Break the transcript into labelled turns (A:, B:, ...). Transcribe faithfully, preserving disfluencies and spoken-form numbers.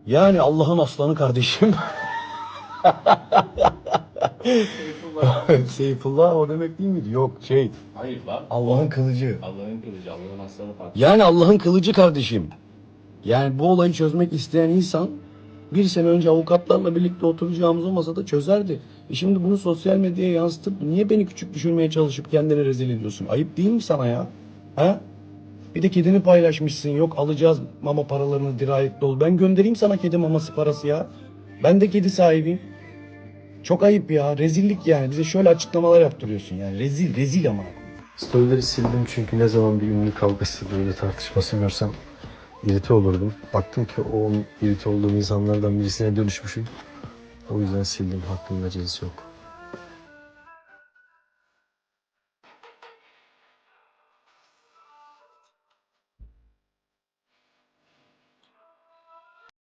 A: Yani Allah'ın aslanı kardeşim.
B: Seyfullah.
A: Seyfullah o demek değil miydi? Yok şey.
B: Hayır lan.
A: Allah'ın kılıcı.
B: Allah'ın kılıcı, Allah'ın aslanı farklı.
A: Yani Allah'ın kılıcı kardeşim. Yani bu olayı çözmek isteyen insan bir sene önce avukatlarla birlikte oturacağımız o masada çözerdi. E şimdi bunu sosyal medyaya yansıtıp niye beni küçük düşürmeye çalışıp kendini rezil ediyorsun? Ayıp değil mi sana ya? Ha? Bir de kedini paylaşmışsın. Yok alacağız mama paralarını dirayetli ol. Ben göndereyim sana kedi maması parası ya. Ben de kedi sahibiyim. Çok ayıp ya. Rezillik yani. Bize şöyle açıklamalar yaptırıyorsun yani. Rezil, rezil ama.
C: Storyleri sildim çünkü ne zaman bir ünlü kavgası böyle tartışması görsem irite olurdum. Baktım ki o irite olduğum insanlardan birisine dönüşmüşüm. O yüzden sildim. Hakkında acısı yok.